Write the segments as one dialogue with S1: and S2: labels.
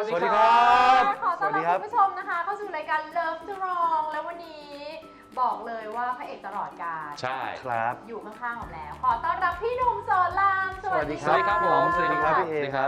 S1: สวัสดีครับ
S2: ขอต้อนรับคุณผู้ชมนะคะเข้าสู่รายการ Love Strong แล้ววันนี้บอกเลยว่าพระเอกตลอดกาล
S1: ใช่ครับ
S2: อยู่ข้างๆผมแล้ว ขอต้อนรับพี่หนุ่มสอนรามสวัสดี
S1: สวัสดีครับผมสวัสดีครับพี่เอครับ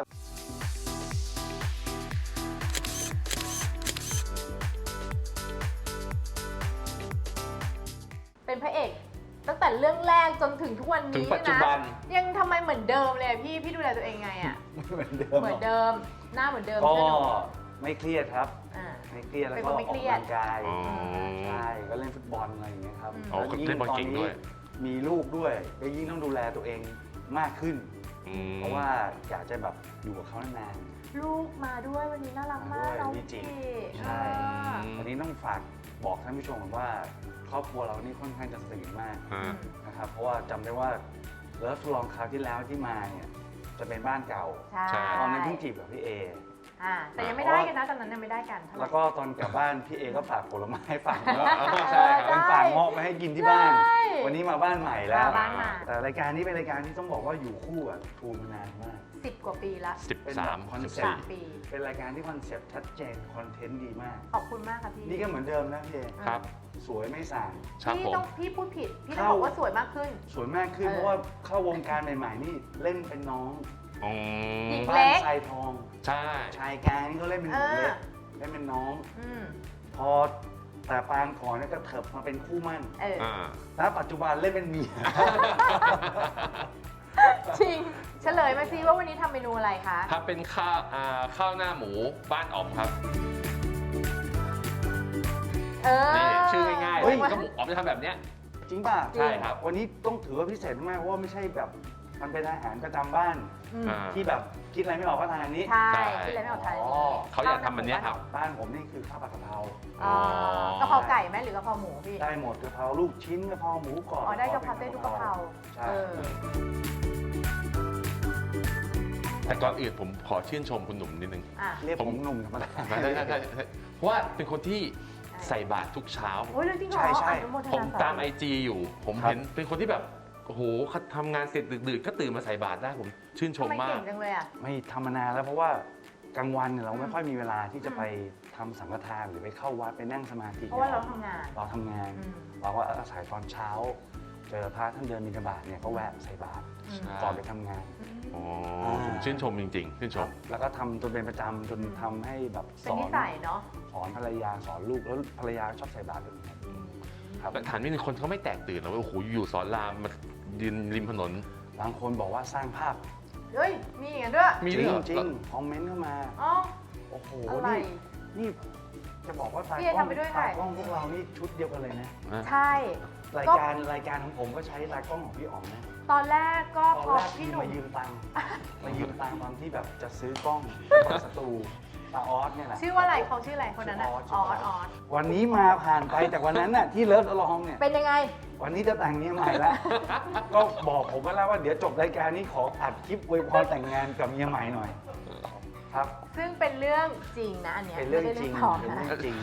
S2: เป็นพระเอกตั้งแต่เรื่องแรกจนถึงทุกวันนี้
S1: ถึงปัจจุบัน
S2: นะยังทำไมเหมือนเดิมเลยพี่ดูแลตัวเองไงอ่ะ
S3: เหมือนเดิม
S2: เหมือนเดิมหน้าเหมือนเดิม
S3: ก็
S2: ใช่ไหมหนุ่ม
S3: ไม่เครียดครับ
S2: อ่า
S3: ไม่เครียดแล้ว
S2: เป็น
S3: ก็
S2: คน
S3: อ
S2: ไม่
S3: อก
S2: เครียด
S3: กำลังกาย
S1: อ๋อ
S3: ใช่ก็เล่นฟุตบอลอะไรอย่างเงี้ยครับ
S1: อ๋อ
S3: แล้วยิ่ง
S1: เล่นบอล
S3: ตอน
S1: เก่งด้
S3: นี้
S1: วย
S3: มีลูกด้วยก็ยิ่งต้องดูแลตัวเองมากขึ้น เพราะว่าอยากจะแบบอยู่กับเขานาน
S2: ลูกมาด้วยวันนี้น่ารักมาก
S3: มาด้วย
S2: น้อง
S3: วิจิ ใช่
S2: อ่า
S3: ๆวันนี้ต้องฝากบอกท่านผู้ชมก่อนว่าครอบครัวเรานี่ค่อนข้างจะสนิทมาก
S1: ฮะ
S3: นะครับเพราะว่าจำได้ว่าเลิฟลองคราวที่แล้วที่มาเนี่ยจะเป็นบ้านเก่า
S2: ใช่
S3: ตอนนั้นเพิ่งจีบกับพี่เอ
S2: แต่ยังไม่ได้กันนะตอนนั้นยังไม่ได้กันเท่าไหร่
S3: แล้วก็ตอนกลับบ้านพี่เอก็ฝากผลไม้ฝากเงาะ
S1: ใช่ครับ
S3: เป็นฝากเงาะมาให้กินที่บ้าน
S2: ใช่
S3: วันนี้มาบ้านใหม่แล้ว
S2: มาบ้านใหม่
S3: แต่รายการนี้เป็นรายการที่ต้องบอกว่าอยู่คู่กับทูมานานมาก
S2: 10 กว่าปีละ
S1: 13
S3: คอนเซ็ปต์
S2: 3 ปี
S3: เป็นรายการที่คอนเซ็ปต์ชัดเจนคอนเทนต์ดีมาก
S2: ขอบคุณมากค่ะพี่
S3: นี่ก็เหมือนเดิมนะพี่เอ
S1: ครับ
S3: สวยไม่สั่าง
S1: ครับ
S2: พี่
S1: ผม
S2: ต้องพี่พูดผิด พี่ต้อง
S3: เข้า
S2: บอกว่าสวยมากขึ้น
S3: สวยมากขึ้น
S2: เออ
S3: เพราะว่าเข้าวงการใหม่ๆนี่เล่นเป็นน้อง
S1: อืม
S2: หญิง
S3: บ้า
S2: เล็
S3: น
S2: ก
S3: ทรายทอง
S1: ใช่
S3: ชายกลางนี่ก็เล่นเป็นหญิงเล็กเล่นเป็นน้อง
S2: อืม
S3: พอแต่ปางก่อนเนี่ยก็เถิบมาเป็นคู่มั่น
S2: เออ
S1: อ่า
S3: แล้วปัจจุบันเล่นเป็นเมีย
S2: จริง เฉลยมาซิว่าวันนี้ทำเมนูอะไรคะ
S1: ถ้าเป็นข้าวหน้าหมูบ้านอ๋อมครับ
S2: เออ
S1: นี่ชื่อง่ายๆ
S3: เฮ้ย
S1: ก็หมูอ๋อมจะทำแบบเนี้ย
S3: จริงป่ะ
S1: ใช่ครับ
S3: วันนี้ต้องถือว่าพิเศษมากเพราะว่าไม่ใช่แบบมันเป็นอาหารประจำบ้าน
S2: อืม
S1: อ่า
S3: ที่แบบคิดอะไรไม่ออกก็ทานอันนี้
S2: ใช่
S1: ใช่
S2: ที่เลยไม่ออกทาน
S3: อ๋
S2: นี้
S3: อ
S1: เขาอยากทำอันเนี้ยครับ
S3: บ้านผมนี่คือข้าวผัดกะเพรา
S2: อ๋อกะเพราไก่ไหมหรือกะเพราหมูพี่
S3: ได้หมดกะเพราลูกชิ้นกะเพราหมูกรอบ
S2: อ๋อได้กะเพราได้ทุกกะเพรา
S3: ใช่
S2: เออ
S1: แต่ก่อนอื่นผมขอชื่นชมคุณหนุ่มนิดนึง
S2: อ่ะ
S3: เรียกผมหนุ่มธรรมดา
S1: เพราะว่าเป็นคนที่ใส่บาตรทุกเช้า
S2: โอ้ยเรื่องจริงเหรอ
S3: ใช่
S2: อนุโมท
S1: ผม
S2: นาส
S1: ตาม IG อยู่ ผม
S3: ครับ
S1: เห็นเป็นคนที่แบบ โอ้โหทำงานเสร็จดึกๆก็ตื่นมาใส่บาตรได้ผมชื่นช
S2: ทำ
S1: ม
S2: ไม
S1: มา
S2: เก่
S1: ก
S2: งจังเลยอ่ะ
S3: ไม่ทำมานานแล้วเพราะว่ากลางวันเนี่ยเราไม่ค่อยมีเวลาที่จะไปทำสังฆทานหรือไปเข้าวัดไปนั่งสมาธิ
S2: เพราะว่าเราทำงาน
S3: เราทำงาน
S2: อืม
S3: เราก็อาศัยตอนเช้า เจอพระท่านเดินบิณฑบาตเนี่ยก็แวะใส่บาตร
S2: อืม
S3: ก่อนไปทำงาน
S1: อ๋อผมชื่นชมจริงๆ ชื่นชม
S3: แล้วก็ทำจนเป็นประจำจนทำให้แบบ
S2: เป็
S3: ส
S2: น
S3: อ
S2: นิ
S3: น
S2: สัยเนาะ
S3: สอนภรรยาสอนลูกแล้วภรรยาชอบใส่บาตรด้วยเหมือนกันครับ
S1: แต่ถามนิดนึงคนเขาไม่แตกตื่นหรอกว่าโอ้โหอยู่สอนรามมายืนริมถนน
S3: บางคนบอกว่าสร้างภาพ
S2: เฮ้ย มีอย่างนั้นด้วย
S1: มี
S3: จ
S1: ด้วย
S3: ริ
S1: เห
S3: ง
S1: รอ
S3: จริงคอมเมนต์เข้ามา
S2: อ๋อ
S3: โอ้โห
S2: อะไร
S3: นี่จะบอกว่าตา
S2: พี่
S3: ก
S2: เอ
S3: ล้อง
S2: ทำไปด้วย
S3: ตา
S2: ไง
S3: กล้องพวกเรานี่ชุดเดียวกันเลยนะ
S2: ใช่
S3: รายการของผมก็ใช้ตากล้องของพี่อ๋อมนะ
S2: ตอนแรกก็
S3: ตอน
S2: พอ
S3: แรก
S2: พี่
S3: พี่
S2: หนุ่ม
S3: มายืมตังค์มายืมตังค์ตอนที่แบบจะซื้อกล้องตอนสตูตาออสเนี่ยแหละ
S2: ชื่อว่าอะไรเขาชื่ออะไรคนนั้นอ่ะ
S3: ชื่
S2: อ
S3: อ
S2: อ
S3: ออ
S2: ส
S3: ส
S2: ออส
S3: วันนี้มาผ่านไปจากวันนั้นน่ะที่เลิฟลองเนี่ย
S2: เป็นยังไง
S3: วันนี้จะแต่งเมียใหม่แล้ว ก็บอกผมก็แล้วว่าเดี๋ยวจบรายการนี้ขออัดคลิปอวยพรแต่งงานกับเมียใหม่หน่อย ครับ
S2: ซึ่งเป็นเรื่องจริงนะอันเนี้ย
S3: เป็นเรื่อง
S2: ไม่ได้
S3: จริง
S2: ปลอม
S3: เป็น
S2: นะ
S3: เรื่องจริง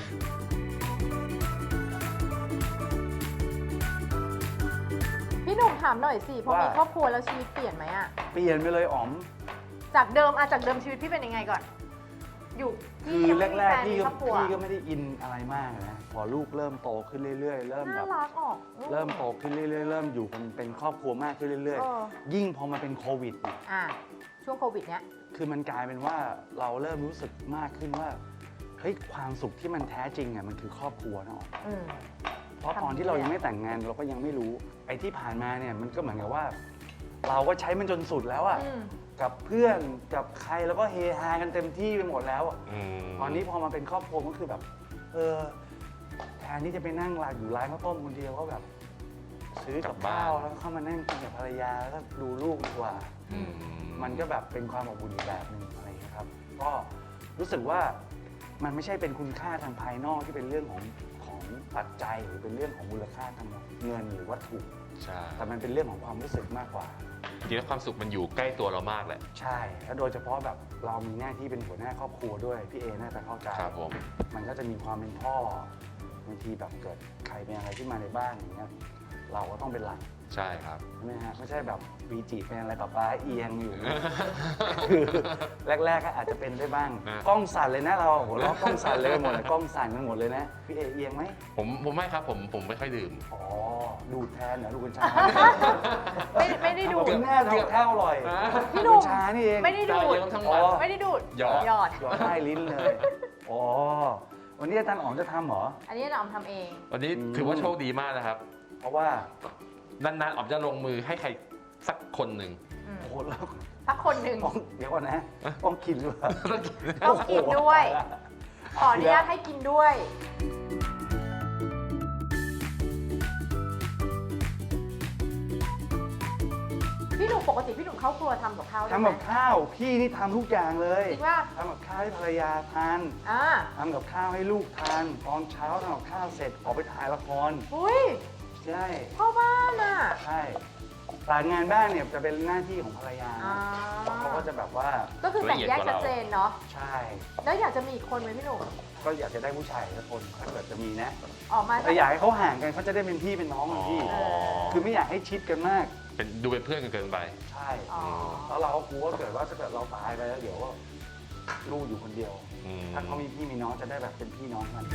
S2: พี่หนุ่มถามหน่อยสิพอ
S3: ว่ามี
S2: มีครอบครัวแล้วชีวิตเปลี่ยนไหมอะ
S3: เปลี่ยนไปเลยอ๋อม
S2: จากเดิมชีวิตพี่เป็นยังไงก่อน อยู่
S3: คือ
S2: ยังไม่มี
S3: แรก
S2: ฟน
S3: ๆพี่
S2: มี
S3: ก็
S2: ครอบครัว
S3: พี่ก็ไม่ได้อินอะไรมากนะพอลูกเริ่มโตขึ้นเรื่อยๆ เริ่มแบ
S2: น่า
S3: บ
S2: รักออก
S3: เริ่มโตขึ้นเรื่อยๆ เริ่มอยู่เป็นครอบครัวมากขึ้นเรื่อย
S2: เออ
S3: ๆ ยิ่งพอมาเป็นโควิดเนี่ย
S2: อ่ะช่วงโควิดเนี้ย
S3: คือมันกลายเป็นว่าเราเริ่มรู้สึกมากขึ้นว่าเฮ้ยความสุขที่มันแท้จริงอ่ะมันคือครอบครัวนะอ๋อ
S2: อืม
S3: เพราะตอนที่เรายังไม่แต่งงานเราก็ยังไม่รู้ไอ้ที่ผ่านมาเนี่ยมันก็เหมือนกับว่า เราก็ใช้มันจนสุดแล้วอ่ะ
S2: อืม
S3: กับเพื่อนกับใครแล้วก็เฮฮากันเต็มที่ไปหมดแล้วอะ
S1: ม
S3: ตอนนี้พอมาเป็นครอบครัวก็คือแบบแทนที่จะไปนั่งร้านอยู่ร้านข้าวต้มคนเดียวก็แบบ ซื้อกับข้าวแล้วก็เข้ามานั่งกินกับภรรยาแล้วก็ดูลูกดีกว่า
S1: อืม
S3: มันก็แบบเป็นความอบอุ่นอีกแบบหนึ่งอะไรอย่างเงี้ยครับ ก็รู้สึกว่ามันไม่ใช่เป็นคุณค่าทางภายนอกที่เป็นเรื่องของปัจจัยหรือเป็นเรื่องของมูลค่าทางเงินหรือวัตถุ
S1: ใช่
S3: แต่มันเป็นเรื่องของความรู้สึกมากกว่า
S1: จริงๆแล้วความสุขมันอยู่ใกล้ตัวเรามากแหละ
S3: ใช่ แล้วโดยเฉพาะแบบเรามีหน้าที่เป็นหัวหน้าครอบครัวด้วยพี่เอน่าจะเข้าใจ
S1: ครับผม
S3: มันก็จะมีความเป็นพ่อบางทีแบบเกิดใครเป็นอะไรขึ้นมาในบ้านอย่างเงี้ยเราก็ต้องเป็นหลัก
S1: ใช่ครับ
S3: ใช่ไหมฮะไม่ใช่แบบวีจิเป็นอะไรป้าเอียงอยู่ คือแรกๆก็อาจจะเป็นได้บ้าง กล้องสั่นเลยนะเราโหเราะกล้องสั่นเลยหมดเลยกล้องสั่นกันหมดเลยนะพี่เอียงไหม
S1: ผมไม่ครับผมไม่ค่อยดื่ม
S3: อ๋อดูดแทนเหรอดูกัญชา
S2: ไม่ได้ดูด
S3: กินแน่ทำกับข้าวอร่อย
S2: พี่หนุ่ม
S3: กัญชานี่เอง
S2: ไม่ได้ดูด
S1: ทั้งวัน
S2: ไม่ได้ดูด
S1: หยอด
S2: หยอด
S3: หยอดใต้ลิ้นเลยอ๋อวันนี้อาจารย์อ๋อมจะทำเหรอ
S2: อันนี้เราทำเอง
S1: วันนี้ถือว่าโชคดีมากนะครับ
S3: เพราะว่า
S1: นานๆออมจะลงมือให้ใครสักคนหนึ่ง
S3: โอ้โหแล้ว
S2: สักคนหนึ่ง
S3: ต้องเดี๋ยวก่อนนะต้องกินด้วย
S2: ต้องกินด้วย ขออนุญาตให้กินด้วย พี่หนุ่มปกติพี่หนุ่มเข้าครัวทำกับข้าวได้
S3: ทำ
S2: ไหม
S3: กับข้าวพี่นี่ทำทุกอย่างเลย
S2: จริงป่ะ
S3: ทำกับข้าวให้ภรรยาทาน
S2: อ่า
S3: ทำกับข้าวให้ลูกทานตอนเช้าทำกับข้าวเสร็จออกไปถ่ายละคร
S2: อุ้ย
S3: ใช่
S2: พ่อบ้านอ่ะ
S3: ใช่แต่งานบ้านเนี่ยจะเป็นหน้าที่ของภรรยา
S2: อ่า
S3: เขาก็จะแบบว่า
S2: ก็คือแบ่งแยกชัดเจนเนาะ
S3: ใช่
S2: แล้วอยากจะมีอีกคนไหมพี่หนุ่ม
S3: ก็อยากจะได้ผู้ชายสักคนถ้าเกิดจะมีนะ
S2: ออกมา
S3: แต่อยากให้เขาห่างกันเขาจะได้เป็นพี่เป็นน้องกันพี่
S1: อ๋อ
S3: คือไม่อยากให้ชิดกันมาก
S1: ดูเป็นเพื่อนกันเกินไป
S3: ใช่
S2: อ๋อ
S3: แล้วเราก็กลัวว่าเกิดว่าถ้าเกิดเราตายไปแล้วเดี๋ยวว่าลูกอยู่คนเดียว
S1: อืม
S3: ถ้าเขามีพี่มีน้องจะได้แบบเป็นพี่น้องกัน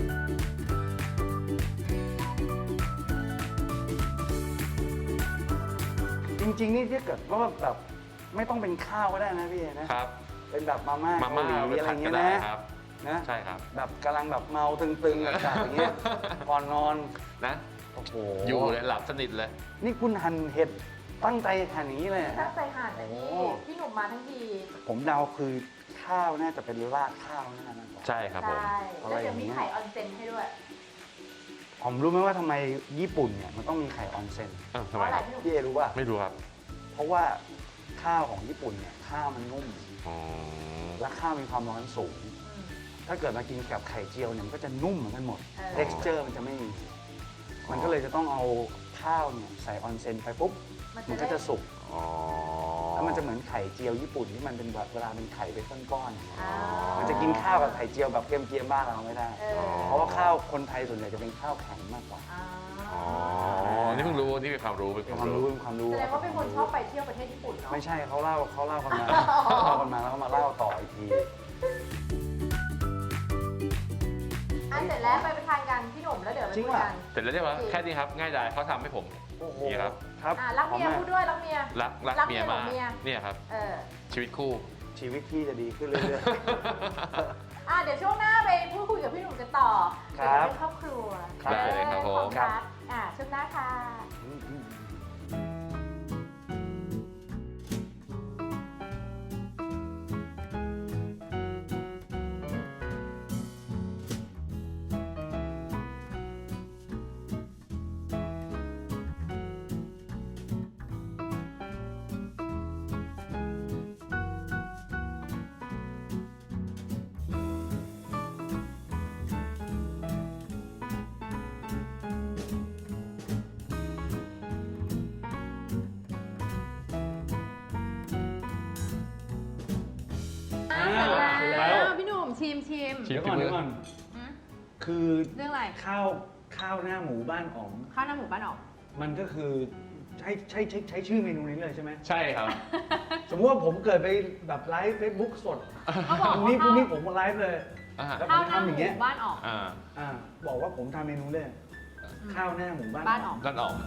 S3: จริงๆนี่ถ้าเกิดว่าแบบไม่ต้องเป็นข้าวก็ได้นะพี่นะ
S1: ครับ
S3: เป็นแบบมาม่า
S1: มาม่า
S3: เกา
S1: เอา
S3: ห
S1: ไป
S3: ลีอะไร
S1: ผัด
S3: เงี้
S1: ก็
S3: ย
S1: ได้
S3: นะครับ นะ
S1: ใช่ครับ
S3: แบบกำลังแบบเมาตึงๆแบบอย่างเงี้ย ก่อนนอน
S1: นะ
S3: โอ้โห
S1: อยู่เลยหลับสนิทเลย
S3: นี่คุณหั่นเห็ดตั้งใจหั่นอย่างนี้เลยเหรอ
S2: ตั้
S3: ฮะ
S2: งใจหั่นนะ
S3: โอ้
S2: พี่หนุ่มมาทั้งที
S3: ผมเดาคือข้าวน่าจะเป็นราดข้าวน่าจะ
S1: ใช่ครับผม
S2: ใช่แล้วเดี๋ยวมีไข่ออนเซ็นให้ด้วย
S3: ผมรู้ไหมว่าทำไมญี่ปุ่นเนี่ยมันต้องมีไข่ออนเซ็น
S1: อ้าว
S2: เพ
S1: ทำไม
S2: ราะอะไร
S1: ครับ
S2: พี่หนุ่ม
S3: พี่เอรู้ป่ะ
S1: ไม่รู้ครับ
S3: เพราะว่าข้าวของญี่ปุ่นเนี่ยข้าวมันนุ่ม
S1: อ๋อ
S3: และข้าวมีความร้อนสูง
S2: อืม
S3: ถ้าเกิดมากินกับไข่เจียวเนี่ยมันก็จะนุ่มเหมือนกันหมด
S2: เออ
S3: texture มันจะไม่มี มันก็เลยจะต้องเอาข้าวเนี่ยใส่ออนเซ็นไปปุ๊บ มันก็จะสุก
S1: อ๋อ
S3: แล้วมันจะเหมือนไข่เจียวญี่ปุ่นที่มันเป็นแบบเวลาเป็นไข่เป็นก้อนๆ
S2: อ่า
S3: มันจะกินข้าวกับไข่เจียวแบบเกรียมๆบ้านเราไม่ได้
S2: เออ
S3: เพราะว่าข้าวคนไทยส่วนใหญ่จะเป็นข้าวแข็งมากกว่า
S2: อ่า
S1: อ๋อ นี่เพิ่งรู้ นี่เป็นความรู้ เป็น
S3: เป็น
S1: ความ
S3: ความ
S1: รู้
S3: รู้เป็นความรู้
S2: แสดงว่าเป็นคนชอบไปเที่ยวประเทศญี่ปุ่นเนาะ
S3: ไม่ใช่เขาเล่ากันมาเล่ากันมาแล้วก็มาเล่าต่ออีกที
S2: อันเสร็จแล้วไปทานกันพี่หนุ่มแล้วเดี๋ยวไป
S3: จริง
S2: คุย
S3: ป่ะ
S2: กัน
S1: เสร็จแล้วใช่ไหมแค่นี้ครับ ง่ายดายเขาทำให้ผม
S3: โอ้โห
S1: นี่ครับ
S3: ครับ
S2: รักเมีย
S3: ขอบ
S2: พู
S3: คุ
S2: ด
S3: ณ
S2: ด้วยรักเมีย
S1: รัก
S2: รัก
S1: เมีย
S2: เมีย
S1: มาก
S2: ของเมีย
S1: เนี่ยครับ
S2: เออ
S1: ชีวิตคู่
S3: ชีวิตพี่จะดีขึ้นเรื่อย
S2: เดี๋ยวช่วงหน้าไปพูดคุยกับพี่หนุ่มกันต่อ
S3: ครั
S2: เกี่ยว
S3: บ
S2: กับเรื่องครอบครัว
S3: ครับ
S1: ได้เลยครับผม
S2: ของรักช่วงหน้าค่ะ
S3: ๆ
S2: เสร็จ
S3: เสร็จแล้
S2: แล้ว วพี่หนุ่มชิม
S1: ชิม
S3: เดี๋ยวก่อนเดี๋ยวก่อน
S2: อืม
S3: คือ
S2: เรื่องอะไร
S3: ข้าวหน้าหมูบ้านอ๋อง
S2: ข้าวหน้าหมูบ้านออก
S3: มันก็คือใช้ชื่อเมนูนี้เลยใช่ไหม
S1: ใช่ครับ
S3: สมมติว่าผมเกิดไปแบบไลฟ์เฟซบุ๊กสด
S2: เขาบอก
S3: พรุ่ง
S2: ว่า
S3: นี้พรุ่งนี้ผมมาไลฟ์เลย
S1: อ่า
S3: แล้วผ
S2: ข้าว
S3: ม
S2: หน้า
S3: ทำ
S2: ห
S3: อย่าง
S2: มู
S3: เงี้ย
S2: บ้านออก
S1: อ่า
S3: บอกว่าผมทำเมนูเลยข้าวหน้าหมูบ้าน
S2: บ้านอ๋อง
S1: นั่นออก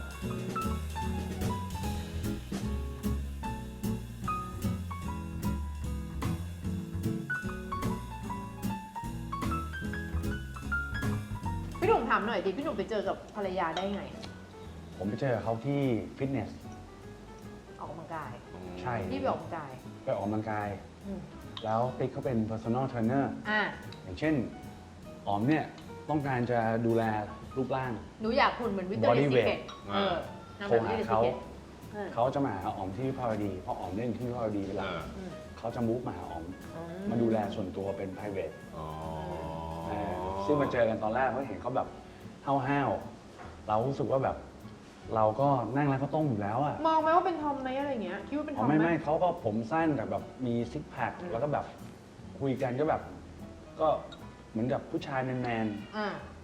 S2: พี่หนุ่มถามหน่อยดิพี่หนุ่มไปเจอกับภรรยาได้ไง
S3: ผมไปเจอเขาที่ฟิตเนส
S2: ออกกำลังกาย
S3: ใช่
S2: พี่ไปออกกำลังกาย
S3: ไปออกกำลังกาย
S2: อืม
S3: แล้วติ๊กเขาเป็น personal trainer
S2: อ่ะ
S3: อย่างเช่นอ๋อมเนี่ยต้องการจะดูแลรูปร่าง
S2: หนูอยากหุ่นเหมือนวิตเตอร์
S3: Body
S2: ซี
S3: weight
S2: เกตนาง
S3: โทร
S2: แบบวิ
S3: หา
S2: ตเตอร์ซี
S3: เขา
S2: เกต
S3: เขาจะมาหาอ๋อมที่วิภาวดีเพราะอ๋อมเล่นที่วิภาวดีเวลา เขาจะมูฟมาหาอ๋อมมาดูแลส่วนตัวเป็น private
S1: อ๋อ
S3: ซึ่งมาเจอกันตอนแรกเขาเห็นเขาแบบห้าวๆเรารู้สึกว่าแบบ เราก็นั่งร้านข้าวต้มอยู่แล้วอ่ะ
S2: มองไหมว่าเป็นทอมไหมอะไรเงี้ยคิดว่าเป็นท
S3: อ๋
S2: อ
S3: อ
S2: มไหม
S3: ไม่เขาก็ผมสั้นแต่แบบมีซิกแพคแล้วก็แบบคุยกันก็แบบ ก็เหมือนกับผู้ชายแมน
S2: อ่า
S3: ๆ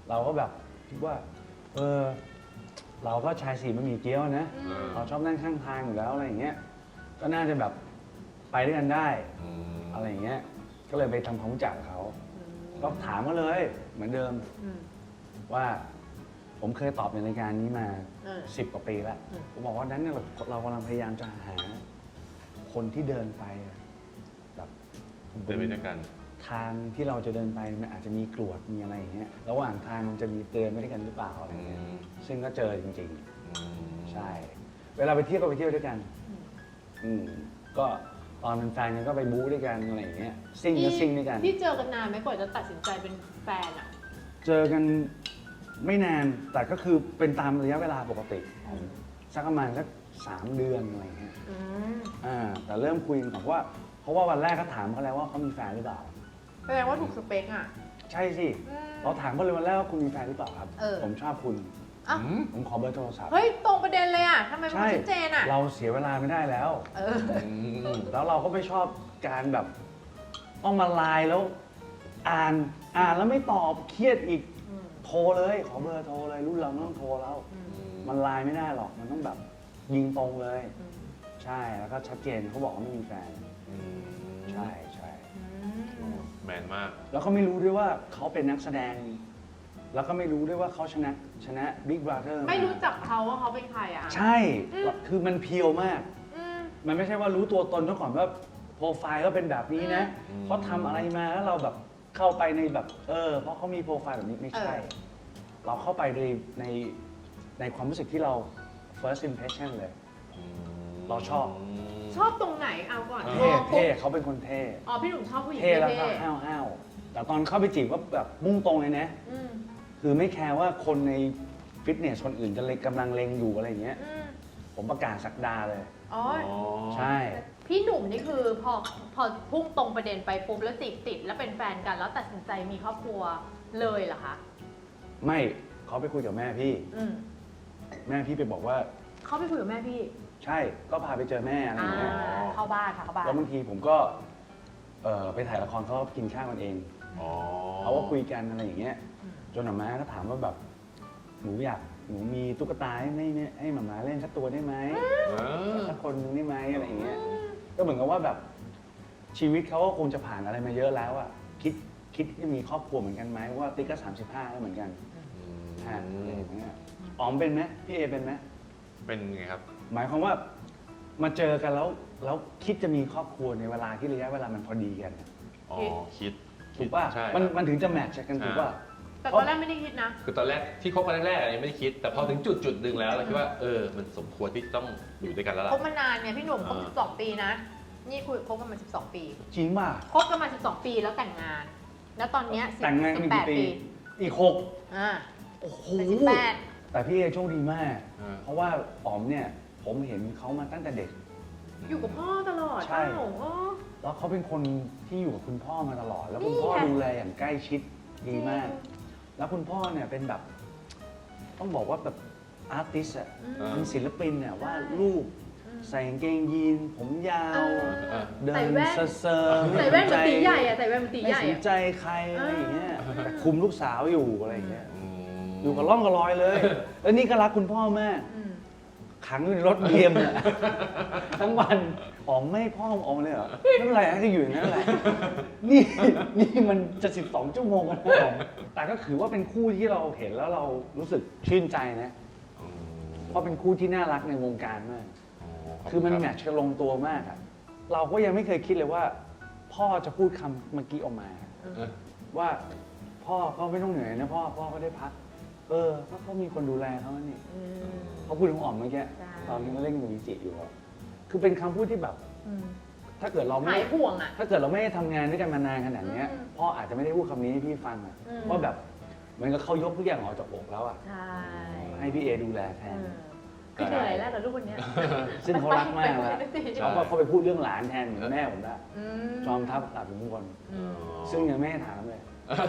S3: เราก็แบบคิดว่าเราก็ชายสีบะหมี่เกี๊ยวนะ
S2: อืม
S3: เราชอบนั่งข้างทางอยู่แล้วอะไรอย่างเงี้ยก็น่าจะแบบไปด้วยกันได้
S1: อืม
S3: อะไรอย่างเงี้ยก็เลยไปทำความรู้จักกับเขาก็ถามเขาเลยเหมือนเดิม
S2: อืม
S3: ว่าผมเคยตอบในรายการนี้มา
S2: เออ
S3: 10 กว่าปีแล้ว
S2: อืม
S3: ผมบอกว่านั้นเนี่ยเรากำลังพยายามจะหาคนที่เดินไปแบบ
S1: เดินไปด้วยกัน
S3: ทางที่เราจะเดินไปมันอาจจะมีกรวดมีอะไรอย่างเงี้ยระหว่างทางมันจะมีเตือนไปด้วยกันหรือเปล่าอะไรเงี้ยซึ่งก็เจอจริงๆ ใช่ เวลาไปเที่ยวก็ไปเที่ยวด้วยกัน ก็ตอนเป็นแฟนกันก็ไปบู๊ด้วยกันอะไรอย่างเงี้ยซิ่งก็ซิ่งด้วยกัน
S2: ที่เจอกันนานไหมกว่าจะตัดสินใจเป็นแฟนอ่ะ
S3: เจอกันไม่นานแต่ก็คือเป็นตามระยะเวลาปกติสักประมาณสัก3 เดือนอะไรเงี้ย
S2: อืม
S3: แต่เริ่มคุยกันก่อนว่าเพราะว่าวันแรกก็ถามเขาแล้วว่าเขามีแฟนหรือเปล่า
S2: แสดงว่าถูกสเปคอ่ะ
S3: ใช่สิ
S2: อืม
S3: เราถามเขาเลยวันแรกว่าคุณมีแฟนหรือเปล่าครับ
S2: เออ
S3: ผมชอบคุณ
S2: อ่ะ
S3: ผมขอเบอร์โทรศัพท์
S2: เฮ้ย ตรงประเด็นเลยอ่ะทำไมมัน
S3: ใช่
S2: ชัดเจนอ่ะ
S3: เราเสียเวลาไม่ได้แล้ว
S2: เออ
S3: แล้วเราก็ไม่ชอบการแบบต้องมาไลน์แล้วอ่านแล้วไม่ตอบเครียดอีก
S2: อืม
S3: โทรเลยขอเบอร์โทรเลยรุ่นเราไม่ต้องโทรแล้ว มันไลน์ไม่ได้หรอกมันต้องแบบยิงตรงเลย ใช่แล้วก็ชัดเจนเขาบอกว่าไม่มีแฟน ใช่ใช่
S1: แมนมาก
S3: แล้วก็ไม่รู้ด้วยว่าเขาเป็นนักแสดง แล้วก็ไม่รู้ด้วยว่าเขาชนะ Big Brother
S2: ไม่รู้จักเขาว่าเขาเป็นใครอ่ะ
S3: ใช่ คือมันเพียวมาก
S2: อืม
S3: มันไม่ใช่ว่ารู้ตัวตนเขาก่อนว่าโปรไฟล์ก็เป็นแบบนี้นะ
S1: อืม
S3: เขาทำอะไรมาแล้วเราแบบเข้าไปในแบบเพราะเขามีโปรไฟล์แบบนี้ไม่ใช่ เราเข้าไปในความรู้สึกที่เรา first impression เลย เราชอบ
S2: ชอบตรงไหนเอาก่อน
S3: เท่เขาเป็นคนเท่
S2: อ๋อพี่หนุ่มชอบผู้หญิง
S3: เท่แล้วก็
S2: เท่
S3: ห้าวๆแต่ตอนเข้าไปจีบก็แบบมุ่งตรงเลยนะ
S2: อืม
S3: คือไม่แคร์ว่าคนในฟิตเนสคนอื่นจะกำลังเลงอยู่อะไรอย่างเงี้ย
S2: อืม
S3: ผมประกาศสักดาเลย
S2: อ๋อ
S3: ใช่
S2: พี่หนุ่มนี่คือพอพุ่งตรงประเด็นไปปุ๊บแล้วจีบติดแล้วเป็นแฟนกันแล้วตัดสินใจมีครอบครัวเลยเหรอคะ
S3: ไม่เขาไปคุยกับแม่พี่
S2: อืม
S3: แม่พี่ไปบอกว่า
S2: เขาไปคุยกับแม่พี่
S3: ใช่ก็พาไปเจอแม่อะไรอย่างเงี้ย
S2: เข้าบ้านค่ะเข้าบ้าน
S3: แล้วบางทีผมก็ไปถ่ายละครเขาก็กินข้าวกันเองเขาก็คุยกันอะไรอย่างเงี้ยจนหม่าม้าก็ถามว่าแบบหนูมีตุ๊กตาให้หม่าม้าเล่นสักตัวได้ไหมสักคนนึงได้ไหมอะไรอย่างเงี้ยก็เหมือนกับว่าแบบชีวิตเขาก็คงจะผ่านอะไรมาเยอะแล้วอะคิดที่จะมีครอบครัวเหมือนกันไหมเพราะว่าติ๊กก็35แล้วเหมือนกันอะไรอย่างเงี้ยอ๋อมเป็นไหมพี่เอเป็นไหม
S1: เป็นไงครับ
S3: หมายความว่ามาเจอกันแล้วคิดจะมีครอบครัวในเวลาที่ระยะเวลามันพอดีกัน
S1: อ๋อ คิด
S3: ถูกป่ะ
S1: ใช่
S3: มันถึงจะแมทช์กันถูกป่ะ
S2: แต่ตอนแรกไม่ได้คิดนะ
S1: คือตอนแรกที่คบกันแรกๆยังไม่ได้คิด แต่พอถึงจุดหนึ่งแล้วเราคิดว่ามันสมควรที่ต้องอยู่ด้วยกันแล้วล่ะ
S2: คบมานานเนี่ยพี่หนุ่มคบ
S1: อ่า
S2: 12 ปีนะ นี่คุยคบกันมา 12 ปี
S3: จริงป่ะ
S2: คบกันมา12 ปีแล้วแต่งงาน แล้วตอนเนี้ย
S3: แต่งงานกันกี่
S2: 18
S3: ปี
S2: ปี
S3: อีก
S2: อ่า
S3: 6 โอ้โห
S2: เป็น
S3: แต่พี่เอโชคดีมาก
S1: อ่า
S3: เพราะว่าอ๋อมเนี่ยผมเห็นเขามาตั้งแต่เด็ก
S2: 18 อยู่กับพ่อตลอด
S3: ใช่
S2: เอ้าอ๋อ
S3: แล้วเขาเป็นคนที่อยู่กับคุณพ่อมาตลอด แล้วคุณ
S2: นี่
S3: พ่อ
S2: ไง
S3: ดูแลอย่างใกล้ชิดดีมาก แล้วคุณพ่อเนี่ยเป็นแบบ ต้องบอกว่าแบบอาร์ติสอะ
S2: อืม
S3: เป็นศิลปินเนี่ยว่าดรูป
S2: อืม
S3: ใส่กางเกงยีน ผมยาว
S2: เออ
S3: เดิ
S2: ใส่
S3: น
S2: แว่น
S3: เซอร์ๆ
S2: ใส่แว่นเหมือนตีใหญ่อะใส่แว่นเหมือนตี
S3: ไม่
S2: ใหญ่
S3: สน
S2: อะ
S3: ใจใครอะไรอย่างเงี้ยแต่คุมลูกสาวอยู่อะไรอย่างเงี้ย
S1: อืม
S3: อยู่กับร่องกับรอยเลย แล้วนี่ก็รักคุณพ่อมาก
S2: อืม
S3: ขังอยู่ในรถเบียมเนี่ย ทั้งวันอ๋อมไม่ให้พ่ออมเลยเหรอไม่เป็นไรให้ก็อยู่อย่างนั้นแหละ นี่มันจะ12 ชั่วโมงกันแล้วแต่ก็ถือว่าเป็นคู่ที่เราเห็นแล้วเรารู้สึกชื่นใจนะ เพราะเป็นคู่ที่น่ารักในวงการมาก คือมันแมทช์กันลงตัวมากอะเราก็ยังไม่เคยคิดเลยว่า พ่อจะพูดคำเมื่อกี้ออกมา ว่าพ่อก็ไม่ต้องเหนื่อยนะพ่อก็ได้พักก็เขามีคนดูแลเขานี่
S2: อืม
S3: เขาพูดถึงอ๋อมเมื่อกี้
S2: ใช่
S3: ตอนนี้เขาเล่นกับวิจิอยู่อะคือเป็นคำพูดที่แบบ
S2: อืม
S3: ถ้าเกิดเราไม่
S2: หายห่วงอะ
S3: ถ้าเกิดเราไม่ได้ทำงานด้วยกันมานานขนาดเนี้ย
S2: อืม
S3: พ่ออาจจะไม่ได้พูดคำนี้ให้พี่ฟังอะ
S2: อืม
S3: ว่าแบบเหมือนกับเขายกทุกอย่างออกจากอกแล้วอะ
S2: ใช่
S3: ให้พี่เอดูแลแทน
S2: ก็เหนื่อยแล้วกับลูกคนเนี้ย
S3: ซึ่งเขารักมากแล้ว
S2: ไปสิ
S3: เขาก็เขาไปพูดเรื่องหลานแทนเหมือนแม่ผมได้
S2: อืม
S3: จอมทัพหลับอยู่ทุกคน
S2: อืม
S3: ซึ่งยังไม่ให้ถามเลย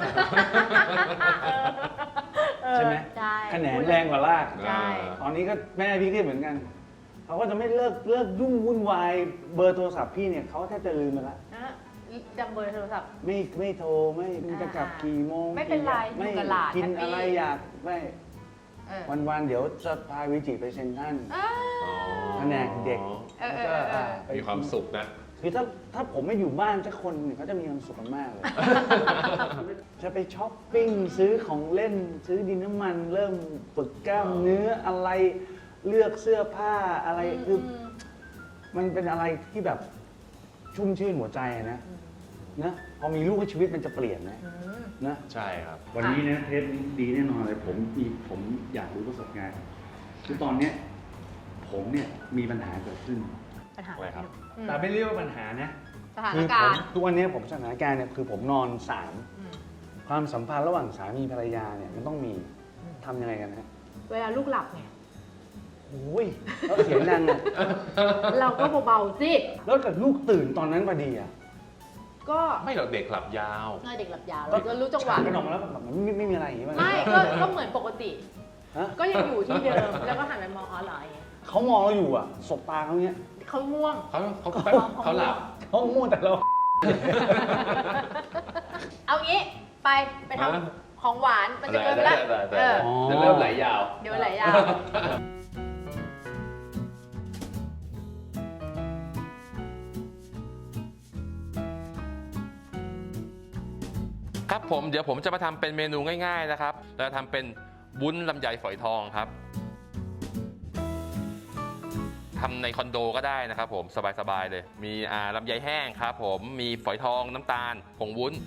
S2: เออ
S3: ใช่ไหม
S2: ใช่
S3: แขนงแรงกว่าลาก
S2: ใช่
S3: ตอนนี้ก็แม่พี่ก็เหมือนกัน เขาก็จะไม่เลิกยุ่งวุ่นวายเบอร์โทรศัพท์พี่เนี่ยเขาแทบจะลืมไปละ
S2: นะจำเบอร์โทรศัพท์
S3: ไม่โทรไม่จะกลับกี่โมง
S2: ไม่เป็นไร
S3: ไม่
S2: อยู่กับหลาน
S3: กิน
S2: แฮปปี้
S3: อะไรอยากไม่
S2: เออ
S3: วันๆเดี๋ยวจะพาวิจิไปเซ็นทรัล
S2: อ่า
S3: แผนกเด็ก
S2: เออ
S3: แล้วก็ไป
S1: มีความสุขนะ
S3: คือถ้าผมไม่อยู่บ้านสักคนเนี่ยเขาจะมีความสุขกันมากเลย จะไปช้อปปิ้งซื้อของเล่นซื้อดินน้ำมัน เริ่มฝึกกล้ามเนื้ออะไรเลือกเสื้อผ้าอะไรคือมันเป็นอะไรที่แบบชุ่มชื่นหัวใจนะนะพอมีลูกชีวิตมันจะเปลี่ยนนะ
S2: อืม
S3: นะ
S1: ใช่ครับ
S3: วันนี้นะเทปนี้ดีแน่นอนเลยผมอยากรู้ประสบการณ์คือตอนเนี้ยผมเนี่ยมีปัญหาเกิดขึ้น
S2: ปัญหา
S1: อะไรครับ
S2: อืม
S3: แต่ไม่เรียกว่าปัญหานะ
S2: สถาน
S3: คือผ
S2: การ
S3: ม
S2: ณ์
S3: ทุกวันนี้ผมสถานการณ์เนี่ยคือผมนอนสาม
S2: อืม
S3: ความสัมพันธ์ระหว่างสามีภรรยาเนี่ยมันต้องมีทำยังไงกันฮะ
S2: เวลาลูกหลับไง
S3: โอ้ยแล้วเสียงดังอ่ะ
S2: เราก็เบาๆสิ
S3: แล้วเกิดลูกตื่นตอนนั้นพอดีอ่ะ
S2: ก็
S1: ไม่หรอกเด็กหลับยาว
S2: เด็กหลับยาวเราก็รู้จังหวะ
S3: ก็นอนมาแล้วแบบมันไม่มีอะไรอย่างงี้มั้ย
S2: ไม่ก็เหมือนปกติ
S3: ฮะ
S2: ก็ยังอยู่ที่เดิม แล้วก็หันไปมองอ๋อเหรออย่างเงี้ย
S3: เขามองเราอยู่อ่ะสบตาเขาเนี้ย
S2: เขาง่วง
S1: เขาหลับ
S3: เขาง่วงแต่เรา
S2: เอางี้ไปทำของหวานมันจะเกินไป
S1: ได้
S2: แล้ว
S1: ได้
S2: เออ
S1: จะเริ่มไหลยาว
S2: เดี๋ยวไหลยาว
S1: ครับผมเดี๋ยวผมจะมาทำเป็นเมนูง่ายๆนะครับเราจะทำเป็นวุ้นลำไยฝอยทองครับทำในคอนโดก็ได้นะครับผมสบายๆเลยมีลำไยแห้งครับผมมีฝอยทองน้ำตาลผงวุ้น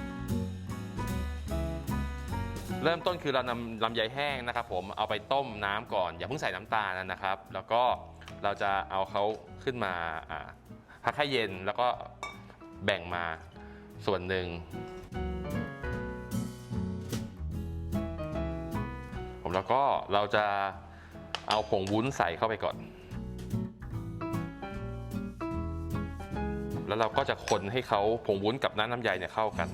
S1: เริ่มต้นคือเรานำลำไยแห้งนะครับผมเอาไปต้มน้ำก่อนอย่าเพิ่งใส่น้ำตาลนะครับ แล้วก็เราจะเอาเขาขึ้นมาพักให้เย็นแล้วก็แบ่งมาส่วนหนึ่งแล้วก็เราจะเอาผงวุ้นใส่เข้าไปก่อนแล้วเราก็จะคนให้เขาผงวุ้นกับน้ำลำไยเนี่ยเข้ากัน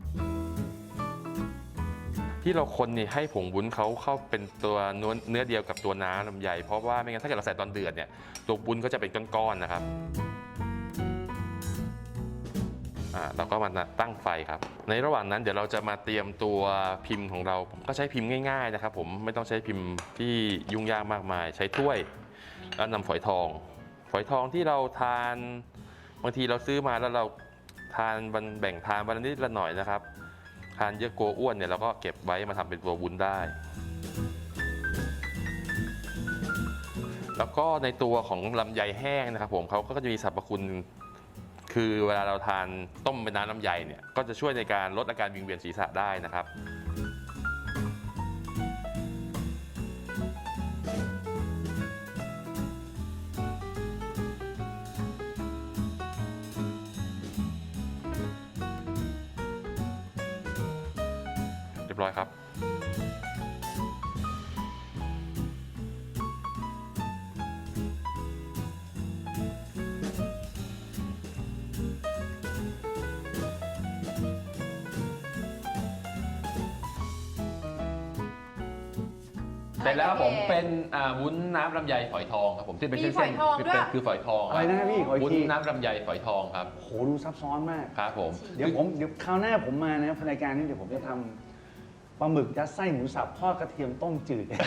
S1: ที่เราคนนี่ให้ผงวุ้นเขาเข้าเป็นตัวเนื้อเดียวกับตัวน้ำลำไยเพราะว่าไม่งั้นถ้าเกิดเราใส่ตอนเดือดเนี่ยตัววุ้นก็จะเป็นก้อนๆนะครับเราก็มาตั้งไฟครับในระหว่างนั้นเดี๋ยวเราจะมาเตรียมตัวพิมพ์ของเราผมก็ใช้พิมพ์ง่ายๆนะครับผมไม่ต้องใช้พิมพ์ที่ยุ่งยากมากมายใช้ถ้วยแล้วนำฝอยทองที่เราทานบางทีเราซื้อมาแล้วเราทานแบ่งทานวันละนิดละหน่อยนะครับทานเยอะกลัวอ้วนเนี่ยเราก็เก็บไว้มาทำเป็นตัววุ้นได้แล้วก็ในตัวของลำไยแห้งนะครับผมเขาก็จะมีสรรพคุณคือเวลาเราทานต้มเป็นน้ำลำไยเนี่ยก็จะช่วยในการลดอาการวิงเวียนศีรษะได้นะครับเรียบร้อยครับเสร็จแล้วครับผมเป็นวุ้นน้ำลำไยฝอยทองครับผมที่เป็นเส้น
S2: มีฝอยทอง
S1: ๆ
S2: ด้วย
S1: คือฝอยทอง
S3: อะไรนะพี่ขออีก
S1: วุ้น
S3: ที
S1: น้ำลำไยฝอยทองครับ
S3: โหดูซับซ้อนมาก
S1: ครับผม
S3: เดี๋ยวคราวหน้าผมมานะรายการนี้เดี๋ยวผมจะทำปลาหมึกยัดไส้หมูสับทอดกระเทียมต้มจืด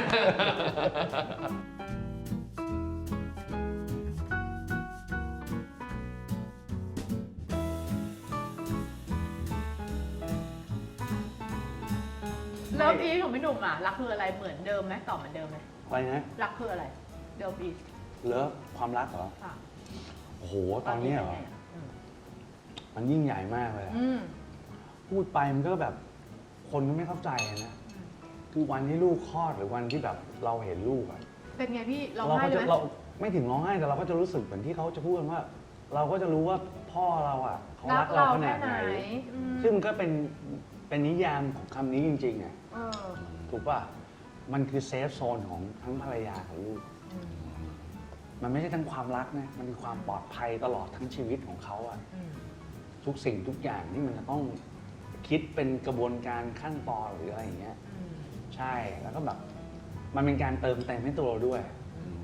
S2: เลิฟอีทของพี่หนุ่มอ่ะรักคืออะไรเหมือนเดิมไหมตอบเหมือนเดิมไหม
S3: อะไรนะ
S2: รักคืออะไรเลิฟอีท
S3: เลิฟความรักเหรอ
S2: ค่ะ
S3: โอ้โหตอนนี้เหรอ
S2: อืม
S3: มันยิ่งใหญ่มากเลยอะ
S2: อืม
S3: พูดไปมันก็แบบคนก็ไม่เข้าใจอะนะคือวันที่ลูกคลอดหรือวันที่แบบเราเห็นลูกอะ
S2: เป็นไงพี่ร้อง
S3: เรา
S2: ไห้
S3: ก็
S2: เล
S3: จะ
S2: ยไหม
S3: เราไม่ถึงร้องไห้แต่เราก็จะรู้สึกเหมือนที่เขาจะพูดกันว่า เราก็จะรู้ว่าพ่อเราอ่ะเขารักเราขนาดไหน
S2: อืม
S3: ซึ่งมันก็เป็นนิยามของคำนี้จริงๆอ่ะ
S2: เออ
S3: ถูกป่ะมันคือเซฟโซนของทั้งภรรยากับลูก
S2: อืม
S3: มันไม่ใช่ทั้งความรักนะมันคือความปลอดภัยตลอดทั้งชีวิตของเขาอ่ะ
S2: อืม
S3: ทุกสิ่งทุกอย่างที่มันจะต้องคิดเป็นกระบวนการขั้นตอนหรืออะไรอย่างเงี้ย
S2: อืม
S3: ใช่แล้วก็แบบมันเป็นการเติมเต็มให้ตัวเราด้วย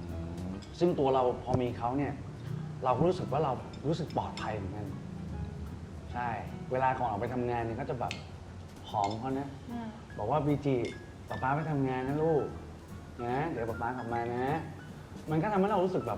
S3: ซึ่งตัวเราพอมีเขาเนี่ย เราก็รู้สึกว่าเรารู้สึกปลอดภัยเหมือนกันใช่ เวลาก่อนออกไปทำงานเนี่ยก็จะแบบหอมเขานะ บอกว่าบีจีป๊าไปทำงานนะลูกนะเดี๋ยวป๊ากลับมานะ มันก็ทำให้เรารู้สึกแบบ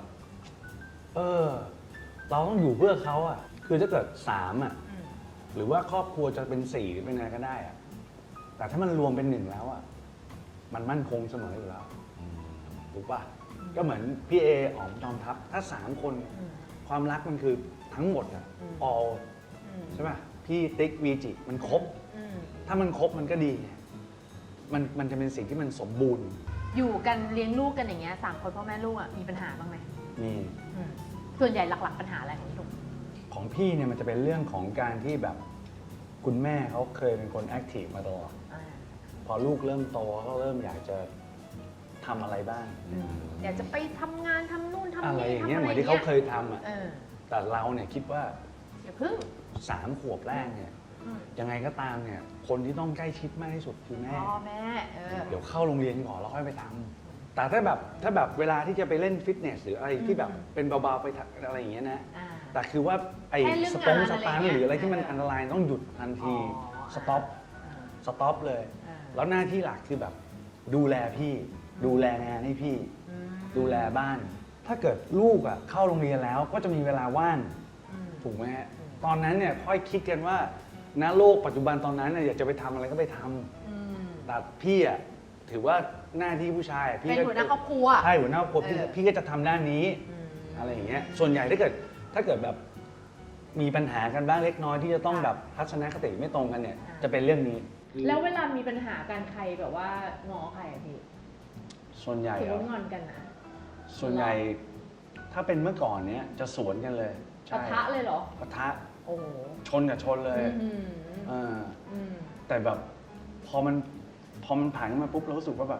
S3: เราต้องอยู่เพื่อเขาอ่ะ คือถ้าเกิด3อ่ะ หรือว่าครอบครัวจะเป็น4หรือเป็นอะไรก็ได้อ่ะ แต่ถ้ามันรวมเป็น1แล้วอ่ะ มันมั่นคงเสมออยู่แล้วถูกป่ะ ก็เหมือนพี่เออ๋อมจอมทัพถ้า3คนความรักมันคือทั้งหมดอ่ะ all ใช่ป่ะ พี่ติ๊กวีจิมันครบ ถ้ามันครบมันก็ดีไงมันจะเป็นสิ่งที่มันสมบูรณ์
S2: อยู่กันเลี้ยงลูกกันอย่างเงี้ย3 คนพ่อแม่ลูกอ่ะมีปัญหาบ้างไหม
S3: มี
S2: ส่วนใหญ่หลักๆปัญหาอะไรของพี่หนุ่ม
S3: ของพี่เนี่ยมันจะเป็นเรื่องของการที่แบบคุณแม่เขาเคยเป็นคนแอคทีฟมาตลอดพอลูกเริ่มโตเขาเริ่มอยากจะทำอะไรบ้าง
S2: อยากจะไปทำงานทำนู่นทำ
S3: อะไร
S2: นี่
S3: อย่างเงี้ย
S2: ทำ
S3: เหมือนที่เขาเคยทำอ่ะ
S2: เออ
S3: แต่เราเนี่ยคิดว่า
S2: อย่าพึ่ง
S3: 3 ขวบแรกเนี่ยยังไงก็ตามเนี่ยคนที่ต้องใกล้ชิดมากที่สุดคือแม่
S2: พ่อแม่
S3: เดี๋ยวเข้าโรงเรียนก่อนแล้วค่อยไปทำแต่ถ้าแบบเวลาที่จะไปเล่นฟิตเนสหรืออะไรที่แบบเป็นเบาๆไปอะไรอย่างเงี้ยนะ แต่คือว่าไอ้
S2: แค่เรื่อง
S3: สตง
S2: งาน
S3: ส
S2: อะไร
S3: ตางค์
S2: เงี้ย
S3: หรืออะไรที่มันอันตรายต้องหยุดทันที สต็อปเลย แล้วหน้าที่หลักคือแบบดูแลพี่ ดูแลงานให้พี่ ดูแลบ้าน ถ้าเกิดลูกอ่ะเข้าโรงเรียนแล้วก็จะมีเวลาว่างถูกไหมฮะตอนนั้นเนี่ยค่อยคิดกันว่าณโลกปัจจุบันตอนนั้นเนี่ยอยากจะไปทำอะไรก็ไปทำแต่พี่อ่ะถือว่าหน้าที่ผู้ชายพี่
S2: เป็นหัวหน้าครอบครัว
S3: ใช่หัวหน้าครอบครัวพี่ก็จะทำด้านนี้อะไรอย่างเงี้ยส่วนใหญ่ถ้าเกิดแบบมีปัญหากันบ้างเล็กน้อยที่จะต้องแบบทัศนคติไม่ตรงกันเนี่ยจะเป็นเรื่องนี้
S2: แล้วเวลามีปัญหากันใครแบบว่าง้อใครอะพี่
S3: ส่วนใหญ่
S2: ถือ
S3: เหรอ
S2: ว่างอนกันนะ
S3: ส่วนใหญ่ถ้าเป็นเมื่อก่อนเนี้ยจะสวนกันเลย
S2: ปะทะเลยเหรอ
S3: ปะทะ
S2: โอ้โห
S3: ชนกับชนเลย
S2: อืม
S3: เออ
S2: อืม
S3: แต่แบบพอมันผ่านมาปุ๊บเรารู้สึกว่าแบบ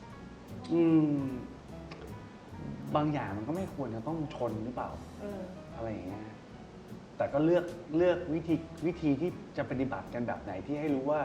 S3: บางอย่างมันก็ไม่ควรจะต้องชนหรือเปล่า อะไรอย่างเงี้ยแต่ก็เลือกวิธีที่จะปฏิบัติกันแบบไหนที่ให้รู้ว่า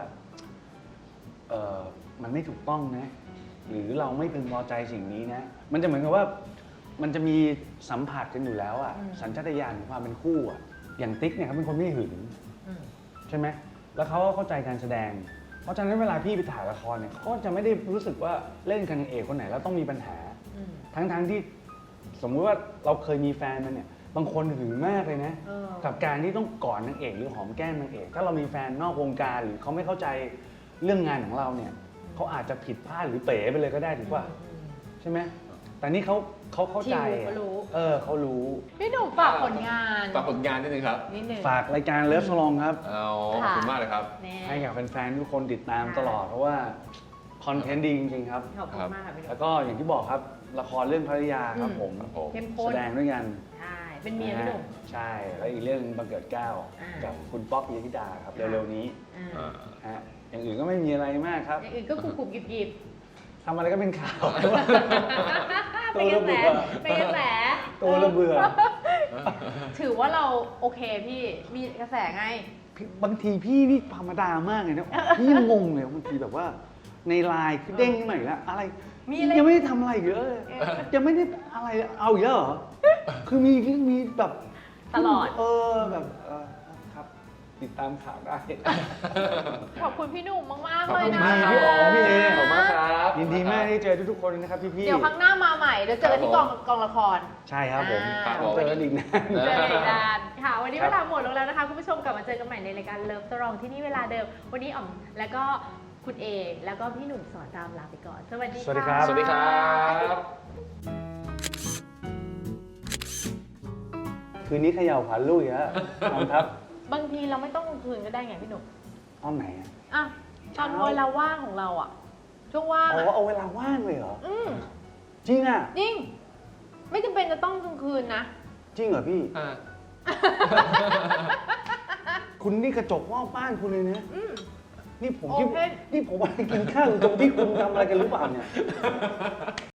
S3: มันไม่ถูกต้องนะ หรือเราไม่พึงพอใจสิ่งนี้นะ มันจะเหมือนกับว่ามันจะมีสัมผัสกันอยู่แล้วอะสัญชาตญาณของความเป็นคู่อะอย่างติ๊กเนี่ยเขาเป็นคนไม่หึงใช่ไหมแล้วเขาก็เข้าใจการแสดง เพราะฉะนั้นเวลาพี่ไปถ่ายละครเนี่ยเขาจะไม่ได้รู้สึกว่าเล่นกับนางเอกคนไหนแล้วต้องมีปัญหา ทั้งที่สมมุติว่าเราเคยมีแฟนมันเนี่ยบางคนหึงมากเลยนะ กับการที่ต้องกอดนางเอกหรือหอมแก้มนางเอกถ้าเรามีแฟนนอกวงการหรือเขาไม่เข้าใจเรื่องงานของเราเนี่ยเขาอาจจะผิดพลาดหรือเป๋ไปเลยก็ได้ถูกป่ะใช่ไหมแต่นี่เขาเข้าใจ
S2: เขารู้
S3: เขารู้
S2: พี่หนุ่มฝากผลงาน
S4: ฝากผลงานนิดนึงครับ
S2: นิดนึง
S3: ฝากรายการเลิฟสลองครับ
S4: เอาขอบคุณมากเลยครับ
S2: แน่
S3: ให้กับแฟนๆทุกคนติดตามตลอดเพราะว่าคอนเทนต์ดีจริงๆครับ
S2: ขอบคุณมากค่ะพี่หนุ่
S3: แล้
S2: ม
S3: วก็อย่างที่บอกครับละครเรื่องภรรยาครับผม
S4: ครับผม
S2: เข้มข้น
S3: แสดงด้วยกัน
S2: ใช่เป็นเมียพี่หนุ่ม
S3: ใช่ แล้วอีกเรื่องบังเกิดเกล้า
S2: อ่ากั
S3: กับคุณป๊อกปิยธิดาครับ เร็วๆนี้
S2: อ่า
S3: ฮะอย่างอื่นก็ไม่มีอะไรมากครับ
S2: อย่างอื่นก็กรุบๆหยิบ
S3: ทำอะไรก็เป็นข่าว
S2: ๆเป็นกระแสเป็นกระแส
S3: ตัวระเบื่อ
S2: ถือว่าเราโอเคพี่มีกระแสไง
S3: บางทีพี่นี่ธรรมดามากเลยนะพี่ยังงงเลยบางทีแบบว่า ในไลน์คือเด้งขึ้นมาอีกแล้วอะไร
S2: มีอะไร
S3: ยังไม่ได้ทำอะไรอีกเลยยังไม่ได้อะไรเอาอีกแล้วเหรอคือมีแบบ
S2: ตลอด
S3: แบบครับ ติดตามข่าวได้
S2: ขอบคุณพี่หนุ่มมากๆ
S4: ขอบ
S2: เลย
S4: คุณ
S2: นะ
S4: มาก
S3: พี่อ๋อพี่เอ
S4: ขอบคุณมากครับ
S3: ยินดีมากที่เจอทุกๆคนนะครับพี่
S2: เดี๋ยวครั้งหน้ามาใหม่เดี๋ยวเจอกันที่กองละคร
S3: ใช่ครับผม
S4: ครับผม
S3: เจอกันอีกนะ
S2: เจอกันนานค่ะ วันนี้
S3: ครั
S2: เว
S3: บ
S2: ลาหมดลงแล้วนะคะ คุณผู้ชมกลับมาเจอกันใหม่ในรายการเลิฟสตรองที่นี่เวลาเดิม วันนี้อ๋อมแล้วก็คุณเอแล้วก็พี่หนุ่มสอนรามลาไปก่อน สวัสดี
S3: สวัสดีค
S2: ค่ะ
S3: รับ
S4: สวัสดีครับ
S3: คืนนี้เขย่าขวัญลูกอีกแล้วนอนครับ
S2: บางทีเราไม่ต้องกลางคืนก็ได้ไงพี่หนุ่ม
S3: ตอนไหนอะ
S2: อ่ะตอนเวลาว่างของเราอ่ะ ช่วงว่าง
S3: อ๋อ
S2: อ่ะ
S3: เอาเวลาว่างเลยเหรอ
S2: อืม
S3: จริงอ่ะ
S2: จริง ไม่จำเป็นจะต้องกลางคืนนะ
S3: จริงเหรอพี่
S4: อ่า
S3: คุณนี่กระจกว่าบ้านคุณเลยนะ
S2: อืม
S3: นี่ผม
S2: โอเค
S3: นี่ผมมากินข้าวอยู่ตรงที่คุณทำอะไรกันหรือเปล่าเนี่ย